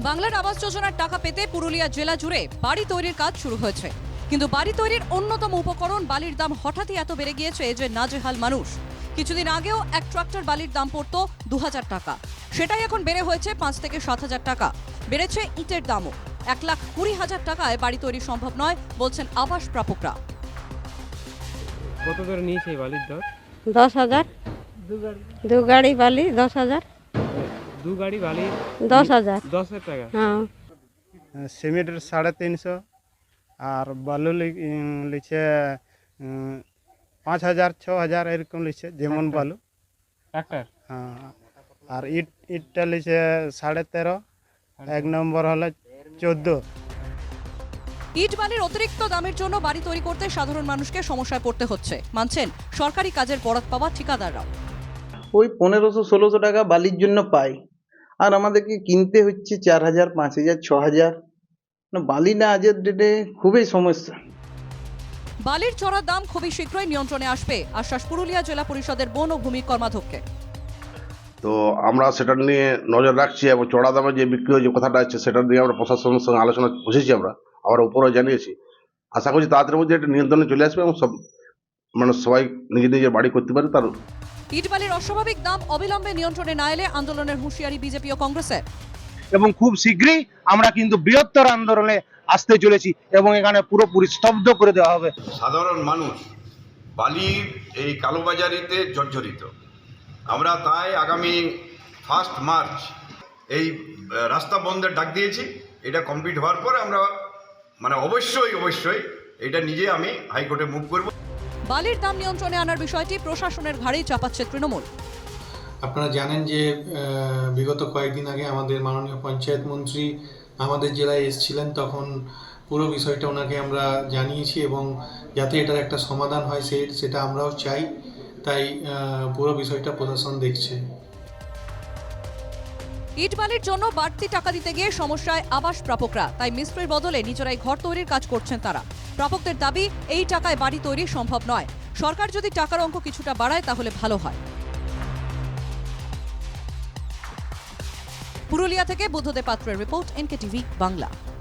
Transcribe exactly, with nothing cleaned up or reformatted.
বাংলার আবাস যোজনার টাকা পেতে পুরুলিয়া জেলা জুড়ে বাড়ি তৈরির কাজ শুরু হয়েছে, কিন্তু বাড়ি তৈরির অন্যতম উপকরণ বালির দাম হঠাৎই এত বেড়ে গিয়েছে যে নাজেহাল মানুষ। কিছুদিন আগেও এক ট্রাক্টর বালির দাম পড়তো দু হাজার টাকা, সেটাই এখন বেড়ে হয়েছে পাঁচ থেকে সাত হাজার টাকা। বেড়েছে ইটের দামও, এক লাখ কুড়ি হাজার টাকায় বাড়ি তৈরি সম্ভব নয় বলছেন আবাস প্রাপকরা। কত করে নিয়েছে এই বালির দর? দশ হাজার দু গাড়ি বালি দশ হাজার দু গাড়ি বালি দশ হাজার দশ হাজার টাকা। হ্যাঁ, সিমেন্টের সাড়ে তিনশো আর বালু লি- উম, লিখছে উম, পাঁচ হাজার ছ হাজার এরকম লিখছে যেমন বালু। ট্রাক্টর হ্যাঁ, আর ইট ইটটা লিখছে সাড়ে তেরো, এক নম্বর হলো চোদ্দো। ইট বালির অতিরিক্ত দামের জন্য বাড়ি তৈরি করতে সাধারণ মানুষকে সমস্যায় পড়তে হচ্ছে, মানছেন সরকারি কাজের বরাত পাওয়া ঠিকাদাররাও। ওই পনেরোশো ষোলোশো টাকা বালির জন্য পাই, আর আমাদেরকে কিনতে হচ্ছে চার হাজার পাঁচ হাজার ছ হাজার। না, বালি না আজের ডেটে খুবই সমস্যা। বালির চড়ার দাম খুবই শীঘ্রই নিয়ন্ত্রণে আসবে, আশ্বাস পুরুলিয়া জেলা পরিষদের বন ও ভূমি কর্মাধ্যক্ষে। তো আমরা সেটা নিয়ে নজর রাখছি এবং চড়া দামে যে বিক্রি হয়ে যে কথাটা আছে সেটা নিয়ে আমরা প্রশাসনের সঙ্গে আলোচনা বসেছি। আমরা আমরা উপরেও জানিয়েছি, আশা করছি তাড়াতাড়ির মধ্যে একটা নিয়ন্ত্রণে চলে আসবে এবং সব মানে সবাই নিজের নিজের বাড়ি করতে পারে। তার ইট বালির অস্বাভাবিক দাম অবিলম্বে নিয়ন্ত্রণে না এলে আন্দোলনের হুঁশিয়ারি বিজেপি ও কংগ্রেসের। এবং খুব শীঘ্রই আমরা কিন্তু বৃহত্তর আন্দোলনে আসতে চলেছি এবং এখানে পুরোপুরি স্তব্ধ করে দেওয়া হবে। সাধারণ মানুষ বালির এই কালোবাজারিতে জর্জরিত। আমরা তাই আগামী ফার্স্ট মার্চ এই আহ, রাস্তা বন্ধের ডাক দিয়েছি। এটা কমপ্লিট হওয়ার পরে আমরা মানে অবশ্যই অবশ্যই এটা নিজে আমি হাইকোর্টে মুভ করব। বালির দাম নিয়ন্ত্রণে আনার বিষয়টি প্রশাসনের ঘাড়েই চাপাচ্ছে তৃণমূল। আপনারা জানেন যে আহ, বিগত কয়েকদিন আগে আমাদের মাননীয় পঞ্চায়েত মন্ত্রী আমাদের জেলায় এসেছিলেন, তখন পুরো বিষয়টা ওনাকে আমরা জানিয়েছি এবং যাতে এটার একটা সমাধান হয় সে সেটা আমরাও চাই। তাই আহ, পুরো বিষয়টা প্রশাসন দেখছে। ইট বালির জন্য বাড়তি টাকা দিতে গিয়ে সমস্যায় আবাস প্রাপকরা, তাই মিস্ত্রির বদলে নিজেরাই ঘর তৈরির কাজ করছেন তারা। প্রাপকদের দাবি, এই টাকায় বাড়ি তৈরি সম্ভব নয়, সরকার যদি টাকার অঙ্ক কিছুটা বাড়ায় তাহলে ভালো হয়। পুরুলিয়া থেকে বুদ্ধদেব পাত্রের রিপোর্ট, এনকে টিভি বাংলা।